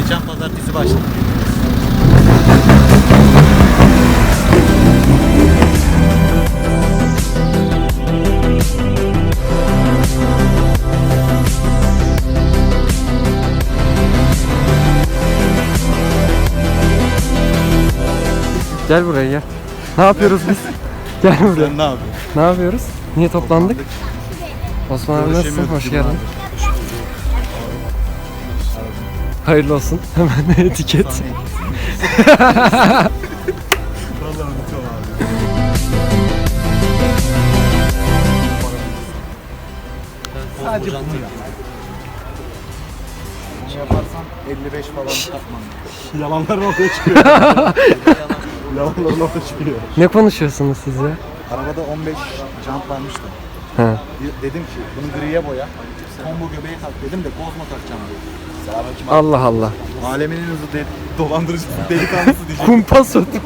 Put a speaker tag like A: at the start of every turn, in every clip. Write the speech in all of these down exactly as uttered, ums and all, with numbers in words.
A: Geçen pazartesi başladı.
B: Gel buraya gel. Ne yapıyoruz biz? Gel buraya.
A: Sen ne yapıyorsun?
B: Ne yapıyoruz? Niye toplandık? Osman abi nasılsın?
A: Görüşemiyoruz
B: Hoş
A: değil mi
B: geldin. Hayırlı olsun. Hemen etiket.
A: Vallahi unutuyorum abi. Sadece bunu yap. Bunu yaparsan elli beş falan takman. Yalanların ortaya çıkıyor. Yalanların ortaya çıkıyor.
B: Ne konuşuyorsunuz siz ya?
A: Arabada on beş jant varmış da.
B: Ha.
A: Dedim ki bunu griye boya. Combo göbeğe tak dedim de Kozmo takacağım dedim.
B: Allah Allah.
A: Alemin en hızlı de dolandırıcısı delikanlısı diyeceğim.
B: Kumpas ot.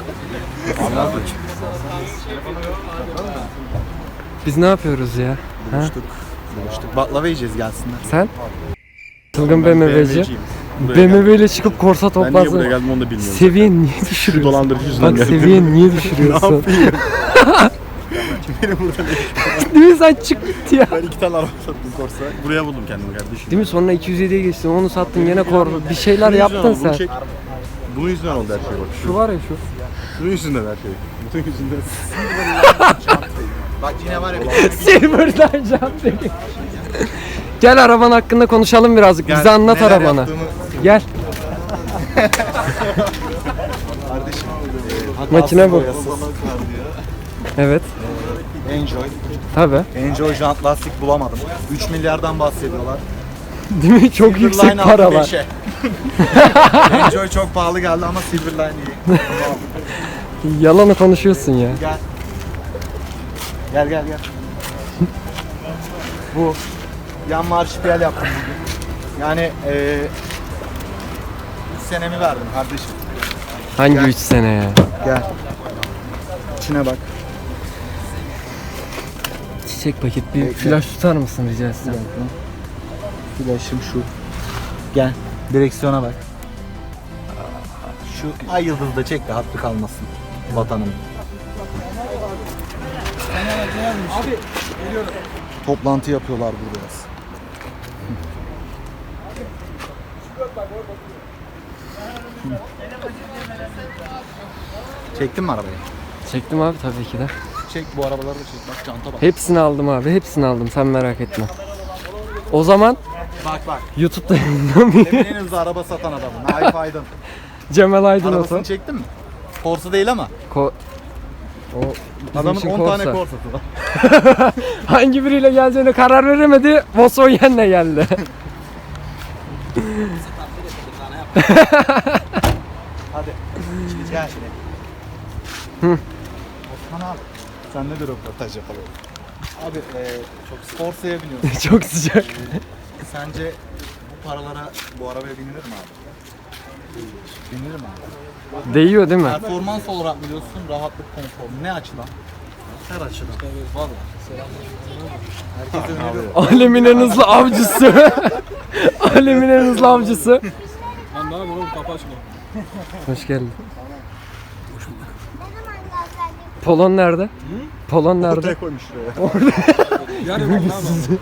B: Biz ne yapıyoruz ya? Ha?
A: Buluştuk. Buluştuk. Baklava yiyeceğiz gelsinler.
B: Sen? Çılgın B M W'ci. B M W ile çıkıp korsa
C: Ben niye buraya
B: toplarsın.
C: geldim onu da bilmiyorum.
B: Seviyen niye düşürüyorsun?
C: Dolandırıcı yüzünden
B: Bak
C: geldim.
B: seviyen niye
C: Ne
B: düşürüyorsun?
C: yapayım?
A: Beni burada
B: Değil mi sen çık git ya.
C: Ben iki tane araba sattım Corsa. Buraya buldum kendimi kardeşim.
B: Değil mi? Sonra iki yüz yediye geçtin. Onu sattın gene kor. Bir şeyler
C: Bunun
B: yaptın
C: yüzünden oldu,
B: sen.
C: Bunu çek. Bunun yüzünden oldu her şey bak.
B: Şu var ya şu.
C: Bunun yüzünden her şey. Bunun yüzünden.
A: Bak yine var ya.
B: Silver'dan jant değil. Gel araban hakkında konuşalım birazcık. Bize anlat
A: neler
B: arabanı.
A: yaptığımı-
B: Gel.
A: Kardeşim.
B: Makine bu. Evet.
A: Enjoy.
B: Tabi.
A: Enjoy jant lastik bulamadım. üç milyardan bahsediyorlar.
B: Değil mi? Çok yüksek
A: Silverline aldım
B: paralar.
A: beşe. Enjoy çok pahalı geldi ama Silverline iyi.
B: Yalanı konuşuyorsun ya.
A: Gel. Gel gel gel. Bu yan marşpiyel yaptım bugün. Yani eee üç senemi verdim kardeşim.
B: Hangi
A: Gel.
B: üç sene ya?
A: Gel. İçine bak.
B: Çiçek paket bir
A: Bekle.
B: flash tutar mısın rica etsem?
A: Flaşım şu. Gel. Direksiyona bak. Şu ay yıldızı da çek de hattı kalmasın vatanım. Abi toplantı yapıyorlar burada biraz. Çektin mi arabayı?
B: Çektim abi tabii ki de.
A: Çek bu arabaları da çek. Bak çanta bak.
B: Hepsini aldım abi. Hepsini aldım. Sen merak etme. O zaman
A: Bak bak.
B: YouTube'da yayınlamayayım.
A: Demin en hızlı araba satan adamın. Naif Aydın.
B: Cemal Aydın olsa.
A: Arabasını çektin mi? Corsa değil ama.
B: Ko o bizim
A: Adamın
B: için
A: on
B: Corsa.
A: tane Corsa'sı var.
B: Hangi biriyle geleceğine karar veremedi. Volkswagen'le geldi.
A: Hadi. Gel.
B: Hı.
A: Osman abi. Seninle de röportaj yapalım. Abi e, çok Corsa'ya biniyorsun.
B: Çok sıcak.
A: Sence bu paralara bu arabaya binilir mi abi? Binilir mi abi?
B: Değiyor değil mi?
A: Performans olarak mı diyorsun, rahatlık, konfor mu? Ne açıdan? Her açıdan. Valla. Herkese öneriyorum.
B: Alemin en hızlı avcısı. Alemin en hızlı avcısı.
D: Lan ne yapıyorsun oğlum, kapı açma.
B: Hoş geldin. Polon nerede? Polon nerede?
C: Ortaya koymuş şuraya.
D: Yani ben ne yapayım?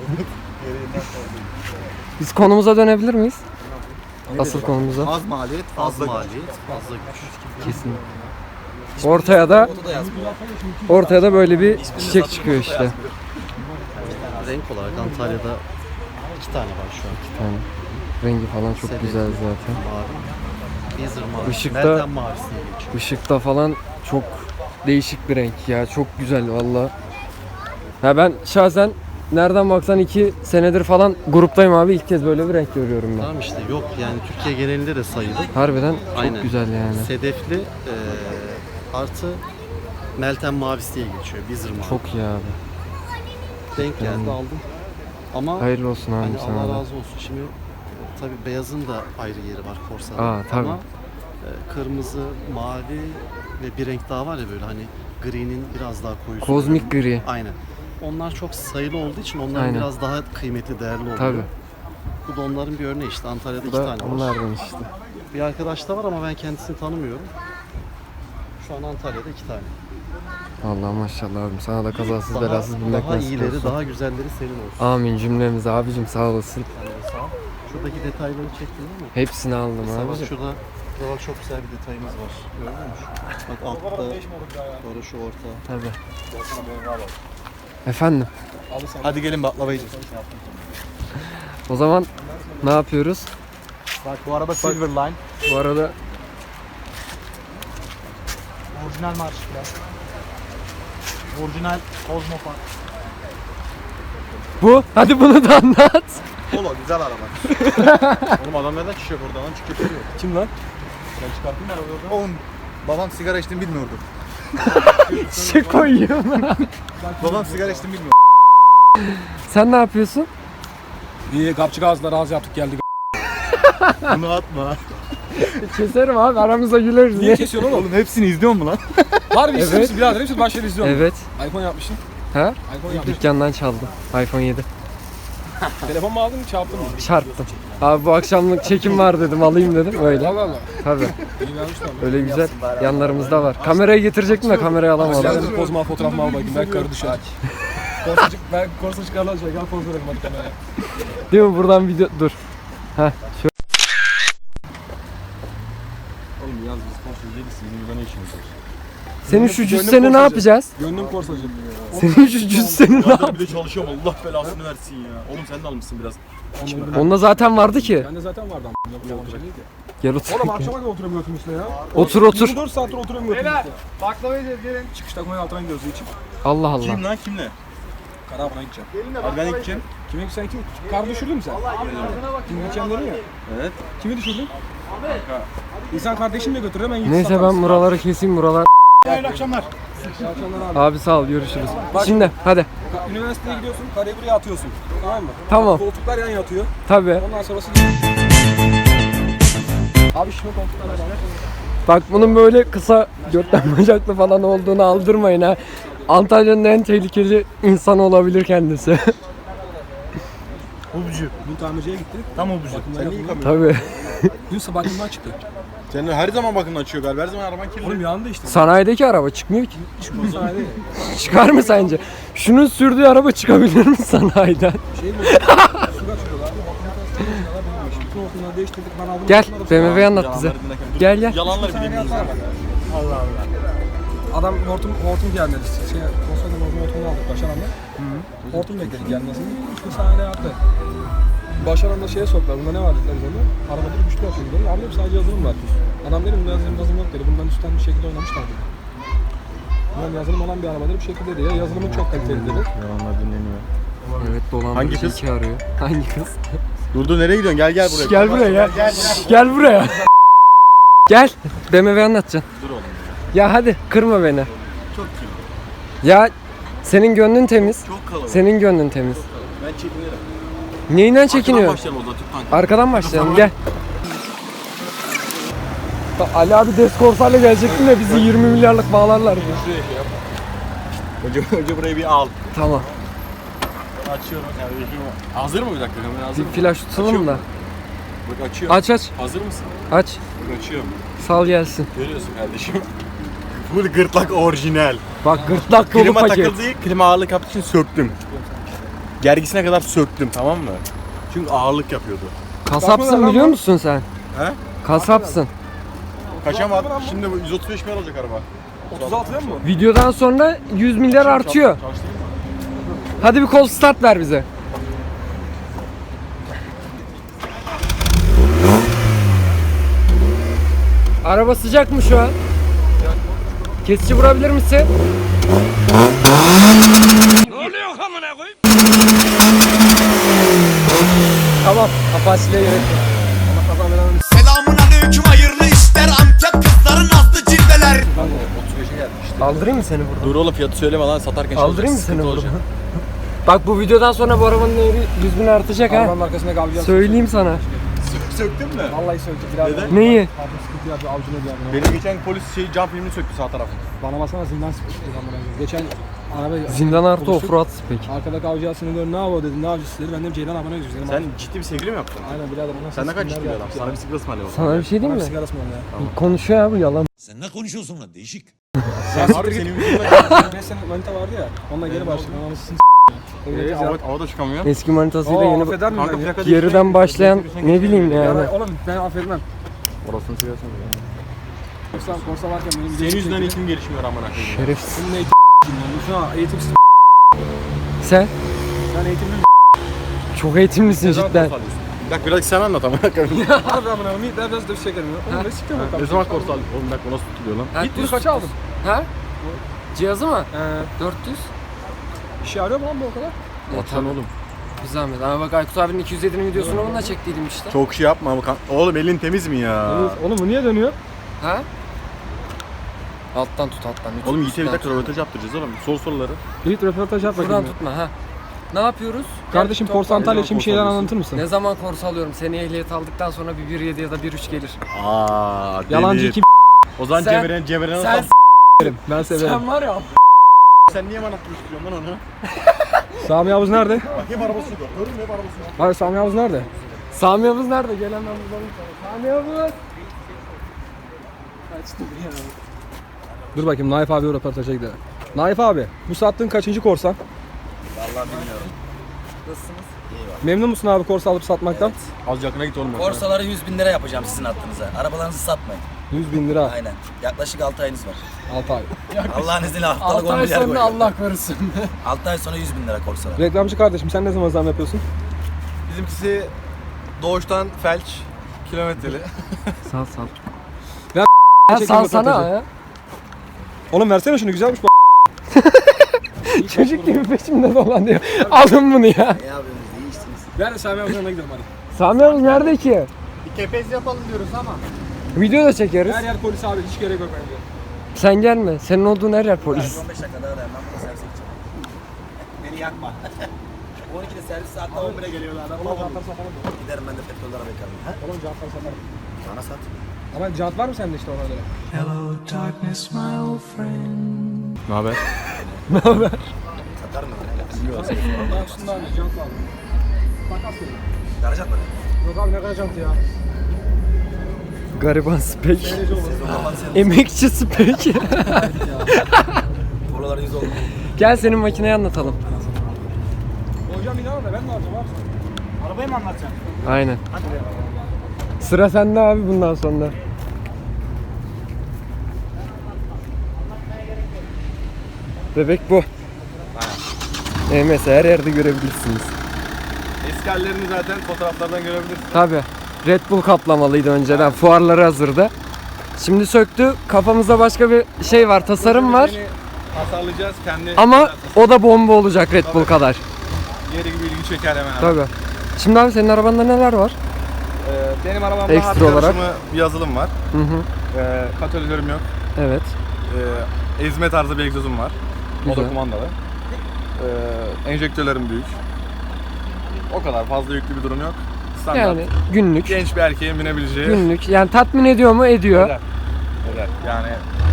B: Biz konumuza dönebilir miyiz? Asıl konumuza.
A: Az maliyet, fazla maliyet, fazla güç.
B: Kesin. Ortaya da ortaya da böyle bir çiçek çıkıyor işte.
E: Renk olarak Antalya'da iki tane var şu an.
B: Yani rengi falan çok
E: Sedefli,
B: güzel zaten.
E: Mavi. Bezer mavi.
B: Işıkta-
E: Meltem mavisi diye geçiyor.
B: Işıkta falan çok değişik bir renk ya. Çok güzel valla. Ha ben şahsen nereden baksan iki senedir falan gruptayım abi. İlk kez böyle bir renk görüyorum ben.
E: Tamam işte yok yani Türkiye genelinde de sayılı.
B: Harbiden çok
E: Aynen.
B: güzel yani.
E: Sedefli eee artı Meltem mavisi diye geçiyor. Bezer mavi.
B: Çok iyi abi.
E: denk geldi
B: Yani.
E: aldım. Ama
B: Hayırlı olsun abi
E: hani
B: sana
E: Allah
B: da.
E: razı olsun. Şimdi tabii beyazın da ayrı yeri var Corsa'da.
B: Aa, tabii.
E: Ama e, kırmızı, mavi ve bir renk daha var ya böyle hani gri'nin biraz daha koyusu.
B: Kozmik gri.
E: Aynen. Onlar çok sayılı olduğu için onlar
B: Aynen.
E: biraz daha kıymetli, değerli oluyor.
B: Tabii.
E: Bu da onların bir örneği işte. Antalya'da
B: Bu
E: iki
B: da
E: tane var.
B: onlardan işte.
E: Bir arkadaş da var ama ben kendisini tanımıyorum. Şu an Antalya'da iki tane.
B: Vallahi maşallah abim, sana da kazasız
E: Daha,
B: belasız binmek
E: daha
B: nasip
E: iyileri,
B: olsun.
E: daha güzelleri senin olsun.
B: Amin cümlemize abicim, sağ olasın.
E: Sen de sağ ol. Şuradaki detayları çektin değil mi?
B: Hepsini aldım
E: Mesela bak
B: abicim.
E: şurada, şurada bak çok güzel bir detayımız var. Gördün mü? Bak altta, sonra şu orta.
B: Tabii. Efendim,
A: Hadi gelin baklava yiyeceğiz.
B: o zaman ne yapıyoruz?
A: Bak bu araba Silver Line.
B: Bu arada
A: Orijinal marş biraz. Orijinal Cosmo Park.
B: bu. Hadi bunu da anlat.
C: Polo güzel araba. Oğlum adam neden çıkacak oradan lan çıkacak yok.
D: Kim lan?
C: Ben çıkarttım ben oradan.
A: Oğlum babam sigara içtiğini bilmiyordu.
B: Şey koyuyorum.
A: Babam sigara içtiğini bilmiyordu.
B: Sen ne yapıyorsun?
D: İyi kapçı gazla razı yaptık geldik.
C: Bunu atma.
B: Keserim abi, aramızda güleriz.
D: Niye kesiyorsun oğlum?
C: Oğlum hepsini izliyor mu lan?
D: Harbi
B: Evet.
D: evet. misin birader? Hepsi başları izliyorum.
B: Evet.
D: iPhone yapmışsın.
B: Ha?
D: iPhone yapmışsın.
B: Dükkandan çaldım. iPhone yedi.
D: Telefon mu aldın çarptın mı?
B: Çarptım. Abi bu akşamlık çekim var dedim, alayım dedim öyle.
D: Allah Allah.
B: Tabii.
D: İyi vermişler.
B: Öyle güzel yanlarımızda var. Kamerayı getirecektim de kamerayı alamadım.
D: Hadi poz mal fotoğraf mal bakayım. Belki karı düşer. Korsa çık, ben korsa çıkarlar şey. Gel poz verelim hadi kameraya.
B: Değil mi? Buradan video dur. Heh. Şöyle.
C: Oğlum yaz biz sponsor değiliz. Sizin burada ne işiniz var?
B: Senin şu
D: Gönlüm
B: cüsseni ne
D: korsacı.
B: yapacağız?
D: Gönlüm korsacı.
B: Senin şu cüsseni ne
C: Zaten
B: yap?
C: bir de çalışıyorum Allah belasını versin ya. Oğlum sen de almışsın biraz.
B: Onda zaten vardı ki.
D: Bende zaten vardı ama. Yapacağım bir şey değil ki.
B: Gel otur.
D: Oğlum akşama kadar oturuyorum götüm üstüne ya.
B: Otur otur.
D: yirmi dört saattir oturuyorum götüm üstüne. Baklava yiyeceğiz gelin. Çıkışta koyun altına gidiyoruz için.
B: Allah Allah.
C: Kim lan kimle?
D: Karabına gideceğim.
C: Abi ben gideceğim.
D: Kime sen kim? Kar düşürdün mü sen? Kim gideceğim dedin ya.
C: Evet.
D: Kimi düşürdün? İnsan kardeşini de götürür hemen gitsin.
B: Neyse ben buraları keseyim, buralar.
C: Hayırlı akşamlar.
D: abi.
B: Abi sağ ol, görüşürüz. Şimdi hadi.
D: Üniversiteye gidiyorsun, kareyi buraya atıyorsun. Tamam mı?
B: Tamam.
D: Koltuklar yan yatıyor.
B: Tabii.
D: Ondan sonrası... Abi şimdi koltuklar var.
B: Bak bunun böyle kısa götten bacaklı falan olduğunu aldırmayın ha. Antalya'nın en tehlikeli insanı olabilir kendisi.
C: Obcu.
D: Dün tamirciye gitti.
C: Tam obcu.
D: Bakımdan
C: Sen niye
D: yapıldı.
C: yıkamıyorsun?
B: Tabii.
D: Dün sabah bakımdan çıktı.
C: Senin her zaman bakımdan açıyor galiba. Her zaman araban kirli.
D: Oğlum yandı işte.
B: Sanayideki araba çıkmıyor ki.
D: Çıkmaz sanayide.
B: Çıkar mı sence? Şunun sürdüğü araba çıkabilir mi sanayiden?
D: Şey mi? Su kaçırıyorlar. Bütün hortumları değiştirdik. Ben aldım.
B: Gel
D: hortumları-
B: B M W'yi anlat bize.
C: Yalanları dinlerken dur.
B: Gel gel.
C: Yalanları bileyim.
D: Allah Allah. Adam hortum hortum gelmedi. Şey, konsoldan hortum hortumunu aldık Başaran'da. Hortum bekledik gelmesini. Üç gün saniyede yaptı. Başaran'da şeye soktular. Bunda ne var dediler üzerine. Arabada bir güçlü yapıyor dedi. Abi sadece yazılım var. Adam dedi bunda yazılım yazılım yok dedi. Bundan üstten bir şekilde oynamışlar dedi. Bundan yazılım olan bir arabadır bir şekilde dedi. Ya yazılımın çok kaliteli dedi.
C: Yalanlar dinleniyor.
B: Evet, dolandırıcı
C: Hangi kız?
B: iki arıyor. Hangi kız?
C: Dur dur nereye gidiyorsun? Gel gel buraya.
B: Gel buraya gel. Gel buraya. Gel. B M W anlatacaksın.
C: Dur oğlum.
B: Ya hadi kırma beni.
C: Çok kirli.
B: Ya senin gönlün temiz.
C: Çok kalabalık.
B: Senin gönlün temiz.
C: Ben çekinirim.
B: Neyinden çekiniyor?
C: Başlayalım o zaman tüp tank.
B: Arkadan başlayalım gel. Bak, Ali abi Deskorsay'la gelecektim de bizi yirmi milyarlık bağlarlar.
C: Hoca, hoca burayı bir al.
B: Tamam.
C: Açıyorum kardeşim. Hazır mı bir dakika? Kamera hazır
B: Bir
C: mı?
B: flash tutalım da.
C: Bak açıyorum.
B: Aç aç.
C: Hazır mısın?
B: Aç.
C: Bak açıyorum.
B: Sal gelsin.
C: Görüyorsun kardeşim. Full gırtlak orijinal.
B: Bak gırtlak dolu
C: Klima
B: paket.
C: takıldı, klima ağırlık yaptığı için söktüm. Gergisine kadar söktüm, tamam mı? Çünkü ağırlık yapıyordu.
B: Kasapsın biliyor musun sen?
C: He?
B: Kasapsın.
C: Kaça var? Şimdi bu yüz otuz beş milyar olacak araba.
D: otuz altıda mı?
B: Videodan sonra yüz milyar artıyor.
C: Çalıştırayım mı?
B: Hadi bir kol start ver bize. Araba sıcak mı şu an? Kesici vurabilir misin? Ne oluyor amına koyayım? Tamam, Apache'liğe gerek yok.
F: Selamun aleyküm hayırlı işler Antep kızların aslı cilveler.
C: otuz beşe geldi işte.
B: Aldırayım mı seni buradan?
C: Dur oğlum fiyatı söyleme lan satarken şey
B: Aldırayım mı
C: olacak,
B: seni
C: sıkıntı
B: buradan?
C: olacak.
B: Bak bu videodan sonra bu arabanın değeri yüz bin artacak ha.
D: Arabanın arkasına kalacağız.
B: Söyleyeyim sana.
C: Sök- Söktün mü?
D: Vallahi söyledi. Biraz
C: Neden?
B: Neyi?
D: Abi sıkıntı yapıyor. Avcuna bir yana.
C: Benim geçen polis şey cam filmini söktü sağ tarafı.
D: Bana basana zindan sıkıştı. Geçen Araba
B: Zindan artı
D: buluştuk.
B: offroad spek.
D: Arkadaki avcı aslında diyor ne yapıyor dedi, ne avcısı dedi. Ben dedim Ceylan abone gidiyoruz dedim.
C: Sen ciddi bir sevgili mi yaptın?
D: Aynen birader. ona
C: Sen ne kadar
D: ses
C: ciddi bir
D: dinler
C: adam.
D: geldik
C: Sana
D: ya.
C: bir sigara ısmarlayalım.
B: Sana bir şey
D: Bana
B: diyeyim
D: bir
B: mi?
D: sigara ısmarla ya.
B: Konuşuyor abi yalan.
F: Sen ne konuşuyorsun lan değişik.
C: Sen harbi senin yüzünden.
D: beş sene manita vardı ya. Onunla geri başladım. Anasını
C: Eee hava, hava da çıkamıyor.
B: Eski manitasıyla
D: Aa,
B: yeni
D: affeder miyim
C: Kanka
D: ben ya?
C: plaka
B: geriden başlayan ne bileyim
D: Ya
B: yani.
D: ben- Oğlum ben affetmem.
C: Orasını sigarsın ya.
D: Korsa, korsa varken benim
C: Senin yüzünden eğitim gelişmiyor amına koyayım.
B: Şerefsiz.
D: Senin eğitim Şu an eğitimsiz
B: Sen
D: ben eğitimli
B: çok eğitimlisin cidden.
C: Bir dakika biraz sen anlat amına koyayım.
D: Harbi amına koyayım. Ben biraz dövüş çekerim ya. Oğlum ne siktir bak.
C: Ne zaman korsa aldın? Oğlum bir dakika nasıl tutuluyor lan?
D: Git bunu kaça aldın?
B: Ha? Cihazı mı?
D: Ee,
B: dört yüz.
D: işe yarıyor mu lan bu o kadar?
C: Atan oğlum.
B: Bir zahmet. Ama bak Aykut abinin iki yüz yedi'nin videosunu onunla çektiydim işte.
C: Çok şey yapma ama kan- oğlum elin temiz mi ya?
D: Oğlum bu niye dönüyor?
B: Ha? Alttan tut alttan. Üç-
C: Oğlum Yiğit'e bir
B: üstten
C: dakika
B: tut.
C: röportaj yaptıracağız oğlum. Sor soruları.
D: Yiğit röportaj yap
B: Buradan
D: bakayım. ya.
B: tutma ha. Ne yapıyoruz?
D: Kardeşim
B: Gel,
D: Korsa Antalya
C: Ne
D: için bir
C: zaman
D: şeyler
C: korsa
D: anlatır mısın?
B: Ne zaman korsa alıyorum? Seni ehliyet aldıktan sonra bir bir yedi ya da bir üç gelir.
C: Aa,
D: Yalancı
C: deli.
D: iki
C: O zaman
B: Sen-
C: Cemre'nin Cemre'nin
B: Sen
D: b***lerim. Ben severim.
B: sen var ya.
C: sen niye bana tutuşturuyorsun lan onu?
D: Sami Yavuz nerede?
C: Bakayım arabası yok. Gördün mü hep arabası yok.
D: Hayır Sami Yavuz nerede?
B: Sami Yavuz nerede? Gel hemen bulalım sana. Sami Yavuz.
D: Dur bakayım Naif abi röportaja gidelim. Naif abi bu sattığın kaçıncı korsan?
B: Nasılsınız?
D: Memnun musun abi korsa alıp satmaktan?
C: Az yakına git oğlum.
G: Borsaları yüz bin lira yapacağım sizin hattınıza. Arabalarınızı satmayın.
D: yüz bin lira.
G: Aynen. Yaklaşık altı ayınız var.
D: altı ay.
G: Allah'ın izniyle haftalık
B: altı
G: on
B: ay
G: milyar
B: sonra
G: koyuyorum.
B: Allah korusun.
G: altı ay sonra yüz bin lira korsalar.
D: Reklamcı kardeşim sen ne zaman zam yapıyorsun?
C: Bizimkisi doğuştan felç, kilometreli.
B: Sal sal.
D: Ya
B: Ya
D: çekin
B: sal sana
D: röportajı.
B: ya.
D: Oğlum versene şunu güzelmiş bu.
B: Çocuk gibi peşimde dolanıyor. Alın bunu ya.
G: Ne yapıyorsunuz? İyi işsiniz.
D: Ver de Sami Yavuz'un yanına gidelim hadi.
B: Sami Yavuz nerede ki?
C: Bir kepez yapalım diyoruz ama.
B: Video da çekeriz.
D: Her yer polis abi hiç gerek yok bence.
B: Sen gelme. Senin olduğun her yer polis.
G: on beş dakika daha dayan. Ben burada servise gideceğim. Beni yakma. on ikide servis saatte on bire geliyorlar. Ben
D: Oğlum jantlar satalım mı?
G: giderim ben de petrollere bakarım. Ha?
D: Oğlum jantlar satalım.
G: Bana sat.
D: Ama jant var mı sende işte ona göre?
C: Ne haber?
G: Satar mı?
D: Allah üstünden abi jant var mı? Takas verin.
G: Garajat mı?
D: Yok abi ne kadar jantı ya?
B: Gariban spek.
G: Sezon kapandı sen.
B: Emekçi spek.
G: Buralara yüz oldu.
B: Gel senin makineyi anlatalım.
D: Hocam inan da ben de alacağım abi.
C: Arabayı mı anlatacaksın?
B: Aynen. Sıra sende abi bundan sonra. Bebek bu. E mesela her yerde görebilirsiniz.
C: Eski hallerini zaten fotoğraflardan görebilirsin.
B: Tabi. Red Bull kaplamalıydı önceden. Fuarları hazırda. Şimdi söktü. Kafamızda başka bir şey var. Tasarım var.
C: Tasarlayacağız kendi.
B: Ama o da bomba olacak Red Bull kadar.
C: Yeri gibi ilgi çeker hemen.
B: Tabi. Şimdi abi senin arabanda neler var?
C: Ee, benim arabamda
B: Ekstra
C: harf
B: olarak.
C: karışımı bir yazılım var.
B: Hı hı.
C: Ee, katalizörüm yok.
B: Evet.
C: Ee, ezme tarzı bir egzozum var. O
B: Güzel.
C: da kumandalı. Ee, enjektörlerim büyük. O kadar fazla yüklü bir durum yok. Standart.
B: Yani günlük.
C: Genç bir erkeğin binebileceği.
B: Günlük. Yani tatmin ediyor mu? Ediyor.
C: Eder. Eder. Yani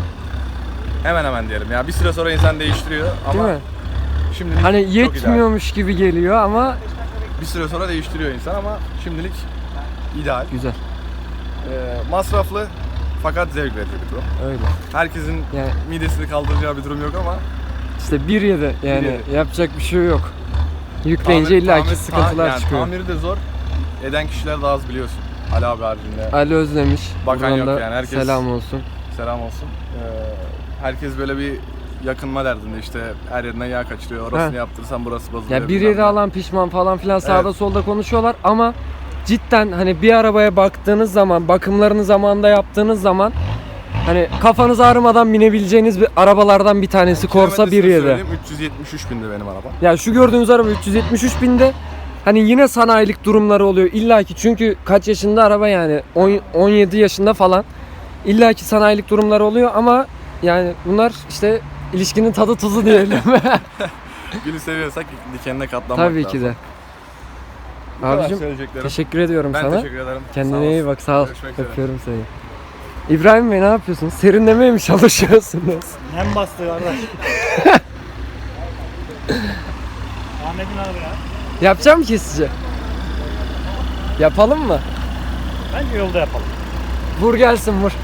C: hemen hemen diyelim. Ya bir süre sonra insan değiştiriyor ama
B: Değil mi?
C: şimdilik
B: Hani
C: çok ideal.
B: yetmiyormuş gibi geliyor ama
C: Bir süre sonra değiştiriyor insan ama şimdilik ideal.
B: güzel.
C: Ee, masraflı fakat zevk verici bir durum.
B: Öyle.
C: Herkesin
B: Yani
C: midesini kaldıracağı bir durum yok ama
B: işte bir yedi yani
C: Bir yedi.
B: yapacak bir şey yok. Yükleyince
C: tamir-
B: illaki
C: tamir-
B: sıkıntılar
C: yani
B: çıkıyor.
C: Tamiri de zor. Eden kişiler daha az biliyorsun. Ali abi haricinde.
B: Ali Özlemiş.
C: Bakan
B: Buradan
C: yok
B: da
C: yani, herkes-
B: selam olsun.
C: Selam olsun. Ee, herkes böyle bir yakınma derdinde işte her yerinden yağ kaçırıyor. Orasını
B: Heh.
C: yaptırsan burası bozuluyor.
B: Ya bir
C: bilmem
B: yedi
C: ne.
B: alan pişman falan filan sağda
C: Evet.
B: solda konuşuyorlar ama cidden hani bir arabaya baktığınız zaman, bakımlarını zamanında yaptığınız zaman hani kafanız ağrımadan binebileceğiniz bir arabalardan bir tanesi Corsa bir
C: Kilometresini
B: yedi.
C: söyleyeyim, üç yüz yetmiş üç bindi benim araba.
B: Ya şu gördüğünüz araba üç yüz yetmiş üç binde hani yine sanayilik durumları oluyor illaki çünkü kaç yaşında araba yani on, on yedi yaşında falan illaki sanayilik durumları oluyor ama yani bunlar işte ilişkinin tadı tuzu diyelim.
C: Gülü seviyorsak dikenine katlanmak
B: Tabii
C: lazım.
B: ki de.
C: Bu kadar
B: Abicim
C: söyleyeceklerim.
B: teşekkür ediyorum
C: Ben
B: sana.
C: teşekkür ederim. Sağ
B: Kendine
C: olasın.
B: iyi bak sağ ol.
C: Görüşmek üzere.
B: Öpüyorum seni. İbrahim Bey ne yapıyorsunuz? Serinlemeye mi çalışıyorsunuz?
H: Hem bastı kardeş. Ahmet'in arabaya.
B: Yapacağım mı kesici? Yapalım mı?
H: Bence yolda yapalım.
B: Vur gelsin vur.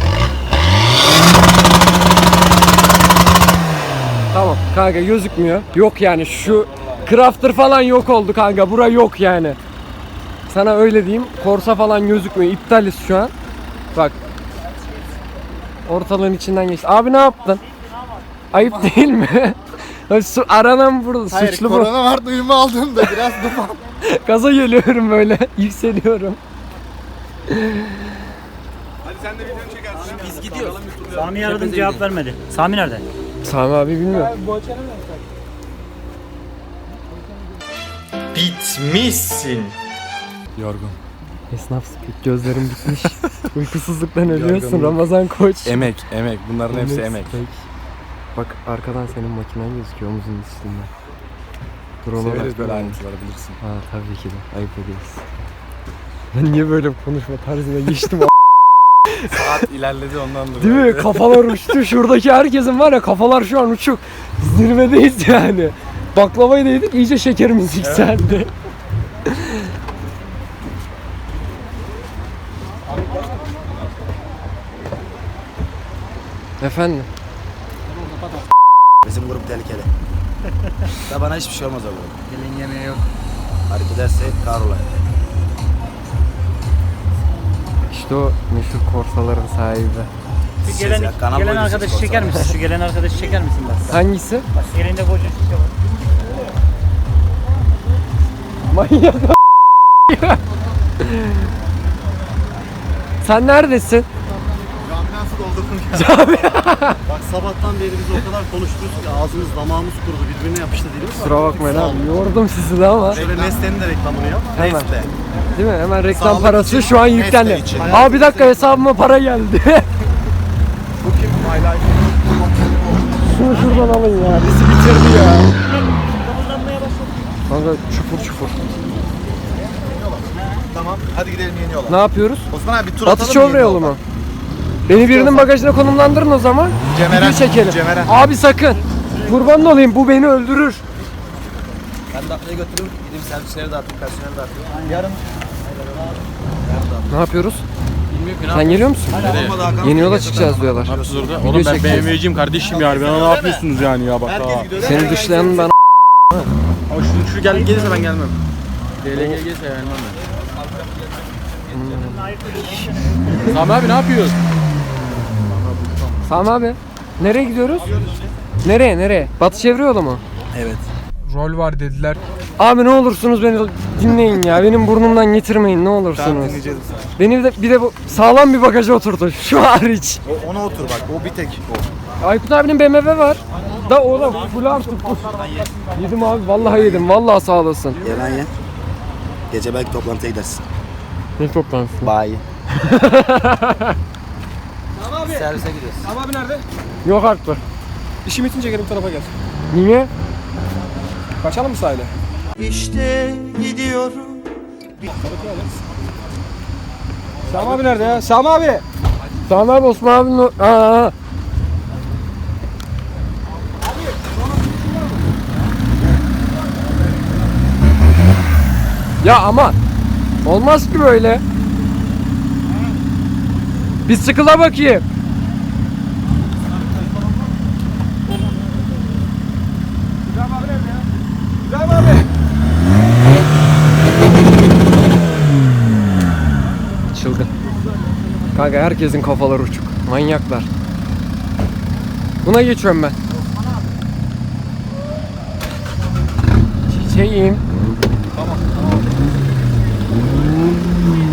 B: Tamam kanka gözükmüyor. Yok yani şu Crafter falan yok oldu kanka. Bura yok yani. Sana öyle diyeyim. Corsa falan gözükmüyor. İptaliz şu an. Bak. Ortalığın içinden geçti. Abi ne yaptın? Ayıp değil mi? Su aranan burada.
A: Hayır,
B: Suçlu bu.
A: korona var duyumu aldım da biraz duman.
B: Gaza geliyorum böyle. Yükseliyorum.
C: Hadi sen de videonu çekersin.
G: Biz gidiyoruz.
H: Sami'yi aradım cevap vermedi. Sami nerede?
B: Sami abi bilmiyor.
F: Bitmişsin.
C: Yorgun.
B: Esnaf speak. Gözlerim bitmiş. Uykusuzluktan ölüyorsun
C: Yorgunluk.
B: Ramazan Koç.
C: Emek, emek. Bunların hepsi emek.
B: Steak. Bak arkadan senin makinen gözüküyor omuzun üstünde. Dur ona
C: Severiz
B: bak.
C: böyle ayrıntıları bilirsin.
B: Ha tabii ki de. Ayıp ediyorsun. Ben niye böyle konuşma tarzına geçtim?
C: Saat ilerledi ondan dolayı.
B: Değil mi? Kafalar uçtu. Şuradaki herkesin var ya kafalar şu an uçuk. Zirvedeyiz yani. Baklavayı da yedik iyice şekerimiz yükseldi. Efendim?
G: Bizim grup tehlikeli. Da bana hiçbir şey olmaz abi.
A: Gelin yemeği yok.
G: Hareket ederse kahrolay.
B: İşte o meşhur korsaların sahibi.
H: Şu gelen,
G: ya, kanal
H: gelen
G: boyunca
H: arkadaşı
G: spor
H: çeker
G: salonu.
H: misin? Şu gelen arkadaşı çeker misin bak?
B: Hangisi?
H: Bak elinde koca şişe var.
B: Manyak. Sen neredesin?
E: Nasıl doldurdun ya? Bak sabahtan beri biz o kadar konuşuyoruz ki ağzımız damağımız kurudu birbirine yapıştı dilimiz.
B: Kusura bakmayın abi. Yordum sizi de ama.
E: Şöyle Nestle'nin de reklamını yap.
B: Hemen.
G: Nestle.
B: Değil mi? Hemen reklam
G: Sağlık
B: parası
G: için,
B: şu an
G: Nestle
B: yüklendi.
G: için.
B: Abi bir dakika hesabıma para geldi.
C: Bu kim? My Life.
B: Şunu şuradan alın ya. Bizi bitirdi ya. Kanka çufur çufur.
A: Tamam hadi gidelim yeni yola.
B: Ne yapıyoruz?
A: Osman abi bir tur atalım
B: Atış
A: mı
B: yolu
A: yeni
B: yolu
A: yola?
B: mu? Beni birinin bagajına konumlandırın o zaman.
A: Cemeren,
B: Video çekelim.
A: Cemeren.
B: Abi sakın. Kurban olayım bu beni öldürür.
G: Ben de atlayı götürürüm. Gideyim servisleri dağıtayım, personeli dağıtayım.
A: Yarın
B: Ne yapıyoruz? Sen geliyor musun?
G: Olmadı Hakan.
B: Yeni yola çıkacağız diyorlar.
C: Yapıyoruz orada.
B: Video
C: Oğlum ben
B: çekeceğiz.
C: B M W'ciyim kardeşim yani. Ben ne yapıyorsunuz yani ya bak ha.
G: Herkes gidiyor.
B: Seni dışlayanın ben
C: Ama şu, şu gel, gelirse ben gelmem. D L G gelirse gelmem ben. Sami abi ne yapıyorsun?
B: Sami abi. Nereye gidiyoruz? Nereye nereye? Batı çevre yolu mu?
G: Evet.
D: Rol var dediler.
B: Abi ne olursunuz beni dinleyin ya. Benim burnumdan getirmeyin ne olursunuz. Beni de bir de bu sağlam bir bagaja oturtun. Şu hariç.
A: o, ona otur bak o bir tek o.
B: Aykut abinin B M W var. Da oğlum full artık. Yedim abi vallahi yedim. Vallahi sağ olasın.
G: Yalan ye. Gece belki toplantıya gidersin.
B: Ne toplantısı?
G: Bayi.
D: Tamam abi.
G: Servise gidiyoruz.
D: Tamam abi nerede?
B: Yok artık.
D: İşim bitince gelin bu tarafa gel.
B: Niye?
D: Kaçalım mı sahile?
F: İşte gidiyorum.
D: Sami abi nerede ya? Sami abi.
B: Sami abi Osman abinin o... Aa, aa. Ya aman. Olmaz ki böyle. Bir sıkıla bakayım.
D: İbrahim abi nerede ya? İbrahim abi.
B: Çılgın. Kanka herkesin kafaları uçuk. Manyaklar. Buna geçiyorum ben. Çiçeğim.